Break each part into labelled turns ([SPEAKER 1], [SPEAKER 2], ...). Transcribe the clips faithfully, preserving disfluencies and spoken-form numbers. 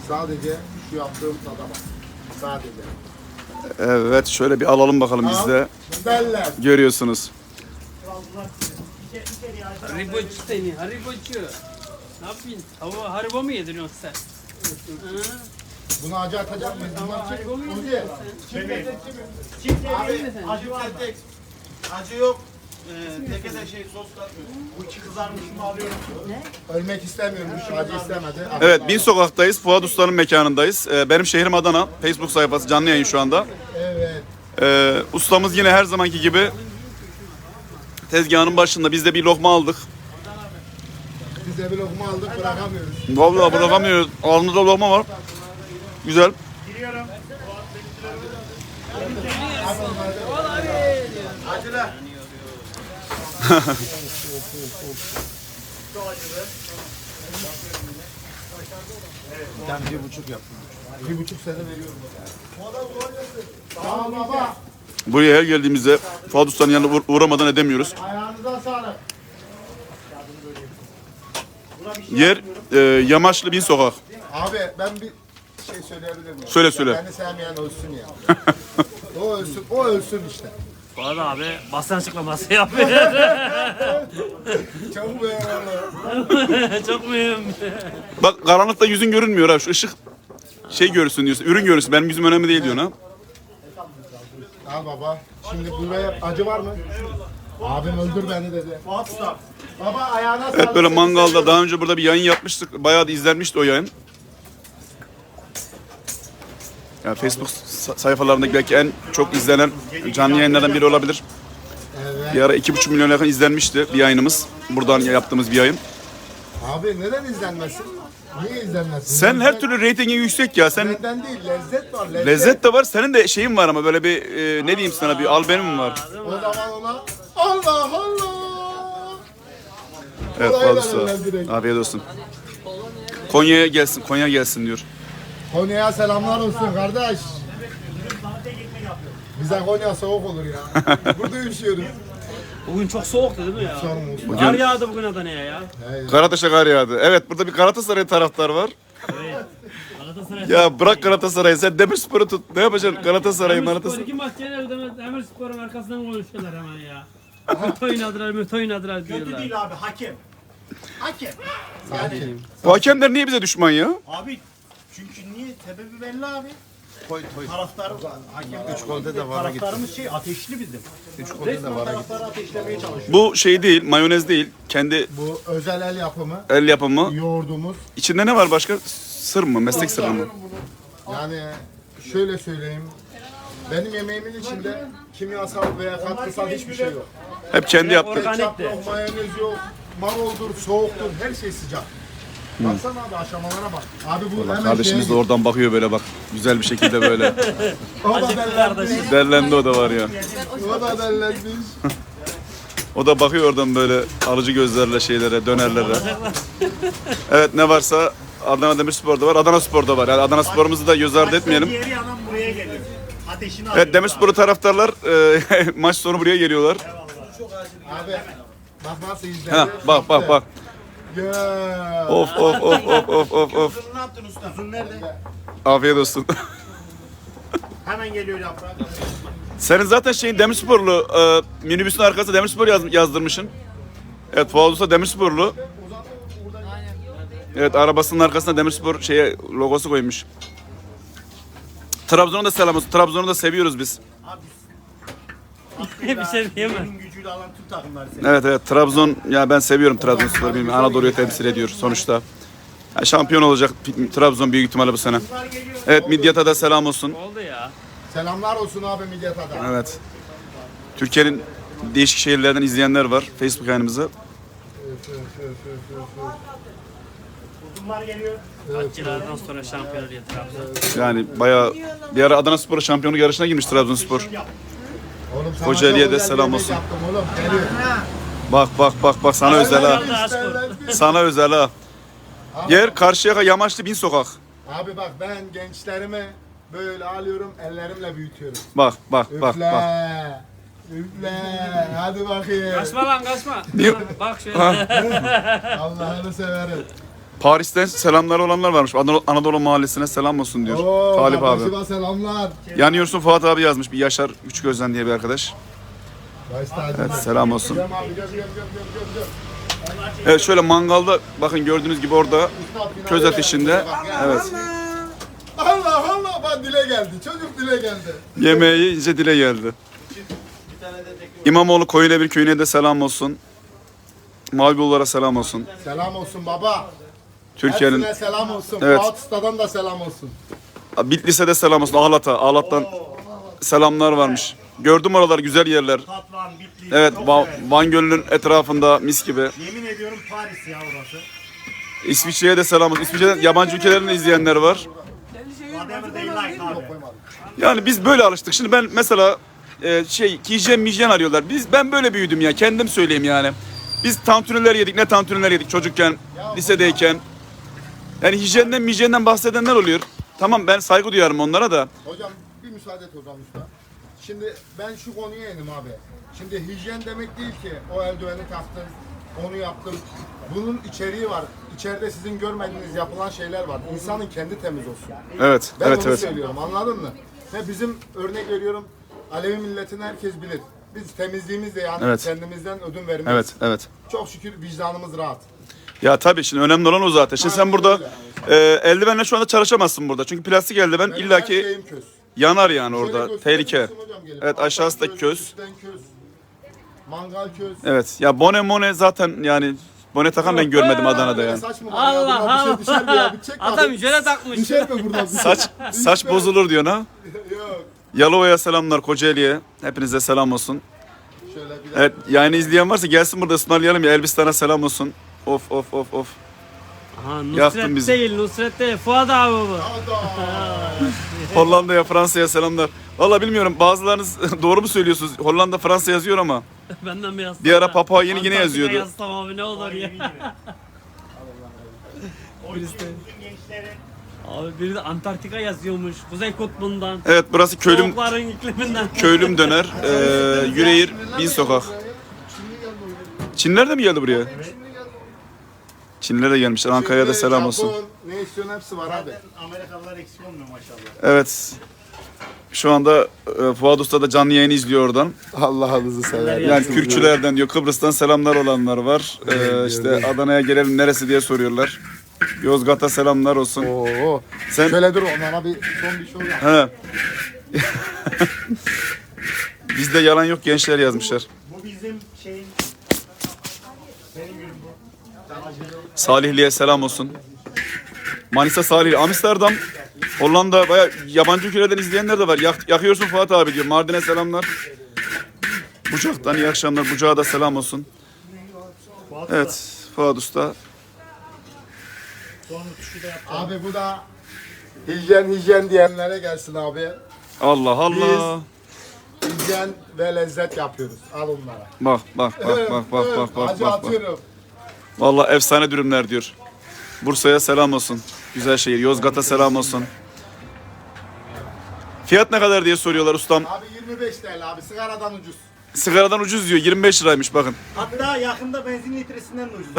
[SPEAKER 1] Sadece şu yaptığım tada bak. Sadece.
[SPEAKER 2] Evet, şöyle bir alalım bakalım biz de.
[SPEAKER 1] Beller.
[SPEAKER 2] Görüyorsunuz.
[SPEAKER 3] Haribocu seni, haribocu. Ne yapayım? Hava haribo mu yediriyorsun sen? Hı?
[SPEAKER 1] Bunu acı atacak mıyız? Bunlar
[SPEAKER 3] Haribo mu
[SPEAKER 1] kim?
[SPEAKER 3] yediriyorsun sen?
[SPEAKER 4] Çift
[SPEAKER 3] Abi,
[SPEAKER 4] abi, acı var tek. Acı yok. Ee, teke de şey sos katmıyor. Bu içi kızarmış mı alıyorum?
[SPEAKER 1] Ölmek istemiyormuş. Acı istemedi.
[SPEAKER 2] Evet, Bin Sokak'tayız. Fuat Usta'nın mekanındayız. Ee, benim şehrim Adana. Facebook sayfası canlı yayın şu anda.
[SPEAKER 1] Evet.
[SPEAKER 2] Ee, ustamız yine her zamanki gibi tezgahın başında. Biz de bir lokma aldık.
[SPEAKER 1] Biz de bir lokma aldık bırakamıyoruz.
[SPEAKER 2] Vallahi bırakamıyoruz. Ağzımızda lokma var. Güzel.
[SPEAKER 4] Giriyorum.
[SPEAKER 3] Acılı.
[SPEAKER 1] Ben bir buçuk yaptım. Bir buçuk sene veriyorum. Tamam baba.
[SPEAKER 2] Buraya her geldiğimizde Fuat Usta'nın yanına uğ- uğramadan edemiyoruz.
[SPEAKER 1] Ayağınıza sağlık.
[SPEAKER 2] Yer e, Yamaçlı Bin Sokak.
[SPEAKER 1] Abi ben bir şey söyleyebilir miyim?
[SPEAKER 2] Söyle, söyle.
[SPEAKER 1] Beni sevmeyen ölsün ya. o ölsün, o ölsün işte.
[SPEAKER 3] Fuat abi basın açıklaması yapıyor.
[SPEAKER 1] Çok beğendim.
[SPEAKER 3] Çok mühim.
[SPEAKER 2] Bak karanlıkta yüzün görünmüyor ha. Şu ışık şey görürsün diyorsun. Ürün görürsün. Benim yüzüm önemli değil diyorsun ha.
[SPEAKER 1] Al baba. Şimdi buraya acı var mı? Abim öldür beni dedi.
[SPEAKER 4] WhatsApp.
[SPEAKER 1] Baba ayağına sağlık.
[SPEAKER 2] Evet, böyle mangalda daha önce burada bir yayın yapmıştık. Bayağı da izlenmişti o yayın. Yani Facebook sa- sayfalarındaki belki en çok izlenen canlı yayınlardan biri olabilir.
[SPEAKER 1] Evet.
[SPEAKER 2] Bir ara iki buçuk milyon yakın izlenmişti bir yayınımız. Buradan yaptığımız bir yayın.
[SPEAKER 1] Abi neden izlenmesin? Niye izlenmesin?
[SPEAKER 2] Sen her türlü reytingin yüksek ya. Sen
[SPEAKER 1] Neden değil, lezzet var. Lezzet.
[SPEAKER 2] lezzet de var. Senin de şeyin var ama böyle bir e, ne diyeyim sana bir albenim var.
[SPEAKER 1] O zaman ona Allah Allah.
[SPEAKER 2] Evet
[SPEAKER 1] Kolay
[SPEAKER 2] Fuat
[SPEAKER 1] verirler
[SPEAKER 2] Usta.
[SPEAKER 1] direkt.
[SPEAKER 2] Afiyet olsun. Konya'ya gelsin, Konya gelsin diyor.
[SPEAKER 1] Konya'ya selamlar olsun kardeş. Bize Konya soğuk olur ya. Burada üşüyoruz.
[SPEAKER 3] Bugün çok soğuktu değil mi ya?
[SPEAKER 1] Sorun olsun.
[SPEAKER 3] Kar yağdı bugün Adana'ya ya.
[SPEAKER 2] Karataş'a kar yağdı. Evet, burada bir Galatasaray taraftar var.
[SPEAKER 3] Galatasaray.
[SPEAKER 2] Ya bırak Galatasaray'ı, sen Demirspor'u tut. Ne yapacaksın Galatasaray'ı,
[SPEAKER 3] Demirspor
[SPEAKER 2] Galatasaray'ı?
[SPEAKER 3] iki maç genelde Demirspor'un arkasından konuşuyorlar hemen ya. Mütü oynadılar, mütü oynadılar
[SPEAKER 4] Kötü
[SPEAKER 3] diyorlar.
[SPEAKER 4] değil abi, hakem. Hakem. Yani
[SPEAKER 2] Bu hakemler niye bize düşman ya?
[SPEAKER 4] abi çünkü niye? Sebebi belli abi. Toy toy. Taraftar, hakem.
[SPEAKER 1] Üç golde de vara gitti.
[SPEAKER 4] Taraftarımız şey ateşli bizim.
[SPEAKER 1] Üç golde de
[SPEAKER 4] Resmen
[SPEAKER 1] vara gitti.
[SPEAKER 4] taraftarı ateşlemeye çalışıyor.
[SPEAKER 2] Bu şey değil, mayonez değil. Kendi
[SPEAKER 1] Bu özel el yapımı
[SPEAKER 2] el yapımı.
[SPEAKER 1] yoğurdumuz.
[SPEAKER 2] İçinde ne var başka? Sır mı? Meslek sırrı mı?
[SPEAKER 1] Yani şöyle söyleyeyim. Benim yemeğimin içinde kimyasal veya katkısal hiçbir şey yok.
[SPEAKER 2] Hep kendi yaptık.
[SPEAKER 3] Organik
[SPEAKER 1] Ketçap
[SPEAKER 3] de.
[SPEAKER 1] yok, mayonez yok, maroldur, soğuktur, her şey sıcak. Baksana abi aşamalara bak. Abi bu hemen
[SPEAKER 2] Kardeşimiz de
[SPEAKER 1] şeye
[SPEAKER 2] oradan bakıyor böyle bak. Güzel bir şekilde böyle.
[SPEAKER 1] git. O da dellenmiş.
[SPEAKER 2] Derlendi o da var ya.
[SPEAKER 1] O da dellenmiş.
[SPEAKER 2] O da bakıyor oradan böyle alıcı gözlerle şeylere, dönerlere. Evet, ne varsa Adana Demirspor'da var, Adana Spor'da var. Yani Adana Spor'umuzu da göz ardı etmeyelim.
[SPEAKER 4] Diğeri yandan buraya geliyor. Ateşini alıyor.
[SPEAKER 2] Evet, Demirspor'u taraftarlar e, maç sonu buraya geliyorlar.
[SPEAKER 1] Abi bak nasıl izledi.
[SPEAKER 2] Ha, bak bak bak.
[SPEAKER 1] Ya.
[SPEAKER 2] Of of of of of of of.
[SPEAKER 4] Uzun ne yaptın usta? Uzun nerede?
[SPEAKER 2] Afiyet olsun.
[SPEAKER 4] Hemen geliyor yaprak.
[SPEAKER 2] Senin zaten şeyin Demirsporlu, e, minibüsün arkasında Demirspor yaz, yazdırmışsın. Evet, Fuat Usta Demirsporlu. Evet, arabasının arkasına Demirspor şeye logosu koymuş. Trabzon'a da selam olsun. Trabzon'u da seviyoruz biz.
[SPEAKER 3] Bir şey diyemem.
[SPEAKER 4] Benim gücüyle alan tüm takımları seviyor.
[SPEAKER 2] Evet evet, Trabzon, ya ben seviyorum Trabzonspor'u, bilmiyorum, Anadolu'yu temsil ediyor sonuçta. Ya şampiyon olacak Trabzon büyük ihtimalle bu sene. Evet, Midyat'a da selam olsun.
[SPEAKER 3] Oldu ya.
[SPEAKER 1] Selamlar olsun abi Midyat'a da.
[SPEAKER 2] Evet. Türkiye'nin değişik şehirlerden izleyenler var Facebook yayınımızı.
[SPEAKER 4] Uzunlar geliyor.
[SPEAKER 3] Kaç yıllardan sonra şampiyon oluyor Trabzon.
[SPEAKER 2] Yani bayağı bir ara Adana Spor şampiyonluk yarışına girmiş Trabzonspor.
[SPEAKER 1] Oğlum sana
[SPEAKER 2] Kocaeli'ye
[SPEAKER 1] çok
[SPEAKER 2] de
[SPEAKER 1] özel
[SPEAKER 2] selam
[SPEAKER 1] yemek
[SPEAKER 2] olsun.
[SPEAKER 1] Yaptım oğlum. Geliyor.
[SPEAKER 2] Bak bak bak bak, sana özel ha. Sana özel ha. Yer Karşıyaka Yamaçlı Bin Sokak.
[SPEAKER 1] Abi bak ben gençlerimi böyle alıyorum ellerimle büyütüyorum.
[SPEAKER 2] Bak bak bak
[SPEAKER 1] Üfle.
[SPEAKER 2] bak.
[SPEAKER 1] Üfle. Hadi bakayım.
[SPEAKER 3] Kaçma lan kaçma.
[SPEAKER 2] Niye?
[SPEAKER 3] Bak şöyle.
[SPEAKER 1] Allah'ını severim.
[SPEAKER 2] Paris'ten selamlar olanlar varmış. Anadolu, Anadolu Mahallesi'ne selam olsun diyor.
[SPEAKER 1] Oo,
[SPEAKER 2] Talip abi.
[SPEAKER 1] kardeşime selamlar.
[SPEAKER 2] Yanıyorsun Fuat abi yazmış. Bir Yaşar Üç Gözden diye bir arkadaş. Evet, selam olsun.
[SPEAKER 1] Göm abi, göm, göm, göm, göm, göm, göm.
[SPEAKER 2] Evet, şöyle mangalda bakın gördüğünüz gibi orada köz ateşinde. Evet.
[SPEAKER 1] Allah Allah, bak dile geldi. Çocuk dile geldi.
[SPEAKER 2] Yemeği yiyince dile geldi. İmamoğlu Koyunebir köyüne de selam olsun. Mavibullara selam olsun.
[SPEAKER 1] Selam olsun baba.
[SPEAKER 2] Türkiye'nin
[SPEAKER 1] Hepsine selam olsun.
[SPEAKER 2] Evet.
[SPEAKER 1] Fuat Usta'dan da selam olsun.
[SPEAKER 2] Bitlis'e de selam olsun. Ahlat'a. Ahlat'tan selamlar varmış. Gördüm oralar, güzel yerler.
[SPEAKER 4] Tatvan, Bitlis.
[SPEAKER 2] Evet,
[SPEAKER 4] çok
[SPEAKER 2] Va-
[SPEAKER 4] severim.
[SPEAKER 2] Van Gölü'nün etrafında mis gibi.
[SPEAKER 4] Yemin ediyorum Paris ya orası.
[SPEAKER 2] İsviçre'ye de selam olsun. İsviçre'den yabancı ülkelerden izleyenler var.
[SPEAKER 4] Whatever they like abi.
[SPEAKER 2] Yani biz böyle alıştık. Şimdi ben mesela e, şey hijyen mijyen arıyorlar. Biz ben böyle büyüdüm ya. Kendim söyleyeyim yani. Biz tantuniler yedik. Ne tantuniler yedik çocukken, lisedeyken. Yani hijyenden mijyenden bahsedenler oluyor. Tamam, ben saygı duyarım onlara da.
[SPEAKER 1] Hocam bir müsaade et hocam usta. Şimdi ben şu konuya indim abi. Şimdi hijyen demek değil ki o eldiveni taktın, onu yaptım. Bunun içeriği var. İçeride sizin görmediğiniz yapılan şeyler var. İnsanın kendi temiz olsun.
[SPEAKER 2] Evet,
[SPEAKER 1] Ben
[SPEAKER 2] evet,
[SPEAKER 1] onu
[SPEAKER 2] evet.
[SPEAKER 1] söylüyorum, anladın mı? Ve bizim örnek veriyorum, Alevi milletini herkes bilir. Biz temizliğimizle yani
[SPEAKER 2] Evet.
[SPEAKER 1] kendimizden ödün vermeyiz.
[SPEAKER 2] Evet, evet.
[SPEAKER 1] Çok şükür vicdanımız rahat.
[SPEAKER 2] Ya tabii şimdi önemli olan o zaten. Şimdi sen
[SPEAKER 1] Aynen
[SPEAKER 2] burada
[SPEAKER 1] öyle.
[SPEAKER 2] e, eldivenle şu anda çalışamazsın burada. Çünkü plastik eldiven
[SPEAKER 1] Benim
[SPEAKER 2] illaki
[SPEAKER 1] her şeyim köz.
[SPEAKER 2] yanar yani
[SPEAKER 1] Şöyle
[SPEAKER 2] orada.
[SPEAKER 1] gösterir
[SPEAKER 2] Tehlike.
[SPEAKER 1] misin hocam gelip?
[SPEAKER 2] Evet,
[SPEAKER 1] Alttan
[SPEAKER 2] aşağısı da köz.
[SPEAKER 1] üstten köz. Mangal köz.
[SPEAKER 2] Evet. Ya bone mone zaten yani bone takan ben görmedim Adana'da yani.
[SPEAKER 1] Saç mı var ya?
[SPEAKER 3] Allah
[SPEAKER 1] Buradan bir şey düşer mi ya?
[SPEAKER 3] Allah.
[SPEAKER 1] Bir çek
[SPEAKER 3] Adam
[SPEAKER 1] bakayım.
[SPEAKER 3] jöle takmış.
[SPEAKER 1] Düşer mi buradan?
[SPEAKER 2] Saç saç bozulur diyor ha.
[SPEAKER 1] Yok.
[SPEAKER 2] Yalova'ya selamlar, Kocaeli'ye. Hepinize selam olsun.
[SPEAKER 1] Şöyle bir
[SPEAKER 2] Evet, yayını izleyen varsa gelsin burada ısmarlayalım ya. Elbistan'a selam olsun. Of of of of.
[SPEAKER 3] Aha,
[SPEAKER 2] Yaktın
[SPEAKER 3] Nusret
[SPEAKER 2] bizi.
[SPEAKER 3] değil, Nusret değil. Fuat abi bu.
[SPEAKER 2] Hollanda'ya, Fransa'ya selamlar. Valla bilmiyorum, bazılarınız doğru mu söylüyorsunuz? Hollanda, Fransa yazıyor ama.
[SPEAKER 3] Benden bir yazsam.
[SPEAKER 2] Bir ara
[SPEAKER 3] da.
[SPEAKER 2] Papua Yeni Gine
[SPEAKER 3] Antarktika
[SPEAKER 2] yazıyordu.
[SPEAKER 3] yazsam abi ne olur ya. Abi biri de Antarktika yazıyormuş. Kuzey Kutbu'ndan.
[SPEAKER 2] Evet, burası köylüm
[SPEAKER 3] Soğukların ikliminden.
[SPEAKER 2] köylüm döner. Ee, Yüreğir Bin Sokak. Çinliler de mi geldi buraya? Çinliler de gelmişler. Ankara'ya da selam olsun.
[SPEAKER 1] Japon, ne istiyorsun hepsi var abi.
[SPEAKER 4] Amerikalılar eksik olmuyor maşallah.
[SPEAKER 2] Evet. Şu anda e, Fuat Usta da canlı yayını izliyor oradan.
[SPEAKER 1] Allah'ınızı sever.
[SPEAKER 2] Yani Kürkçülerden diyor, Kıbrıs'tan selamlar olanlar var. Ee, işte Adana'ya gelelim neresi diye soruyorlar. Yozgat'a selamlar olsun.
[SPEAKER 1] Oo.
[SPEAKER 2] Sen
[SPEAKER 1] Şöyle dur onlara bir son bir şey yap.
[SPEAKER 2] he. Bizde yalan yok gençler yazmışlar.
[SPEAKER 4] Bu bizim şeyin... Benim günüm bu.
[SPEAKER 2] Salihli'ye selam olsun. Manisa Salihli, Amsterdam, Hollanda, baya yabancı ülkelerden izleyenler de var. Yak, yakıyorsun Fuat abi diyor. Mardin'e selamlar. Bucak'tan iyi akşamlar. Bucak'a da selam olsun. Evet, Fuat Usta.
[SPEAKER 4] Sonra tuşu da yaptı.
[SPEAKER 1] Abi bu da hijyen hijyen diyenlere gelsin abi.
[SPEAKER 2] Allah Allah.
[SPEAKER 1] Hijyen ve lezzet yapıyoruz. Al onlara.
[SPEAKER 2] Bak bak bak bak bak bak bak
[SPEAKER 1] Acı
[SPEAKER 2] bak. bak.
[SPEAKER 1] atıyorum.
[SPEAKER 2] Vallahi efsane dürümler diyor. Bursa'ya selam olsun. Güzel şehir. Yozgat'a selam olsun. Fiyat ne kadar diye soruyorlar ustam.
[SPEAKER 1] Abi yirmi beş T L abi sigaradan ucuz.
[SPEAKER 2] Sigaradan ucuz diyor. yirmi beş liraymış bakın.
[SPEAKER 4] Hatta yakında benzin litresinden de ucuz.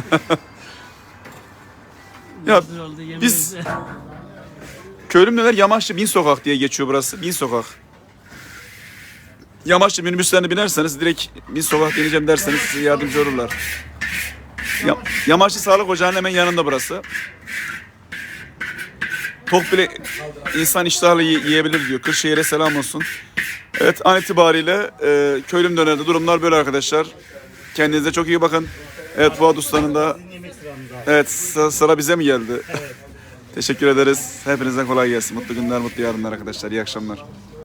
[SPEAKER 2] Ya
[SPEAKER 3] Güzel oldu, yemin
[SPEAKER 2] biz-
[SPEAKER 3] ederim.
[SPEAKER 2] Köylüm neler? Yamaçlı Bin Sokak diye geçiyor burası. Bin Sokak. Yamaçlı minibüslerine binerseniz direkt Bin Sokak deneyeceğim derseniz size yardımcı olurlar. Ya, Yamaçlı Sağlık Ocağı'nın hemen yanında burası. Tok bile insan iştahla yi- yiyebilir diyor. Kırşehir'e selam olsun. Evet, an itibariyle e, köylüm dönerinde durumlar böyle arkadaşlar. Kendinize çok iyi bakın. Evet, Fuat Usta'nın da
[SPEAKER 4] Yemek sıramız abi.
[SPEAKER 2] evet sıra, sıra bize mi geldi? Teşekkür ederiz. Hepinize kolay gelsin. Mutlu günler, mutlu yarınlar arkadaşlar. İyi akşamlar.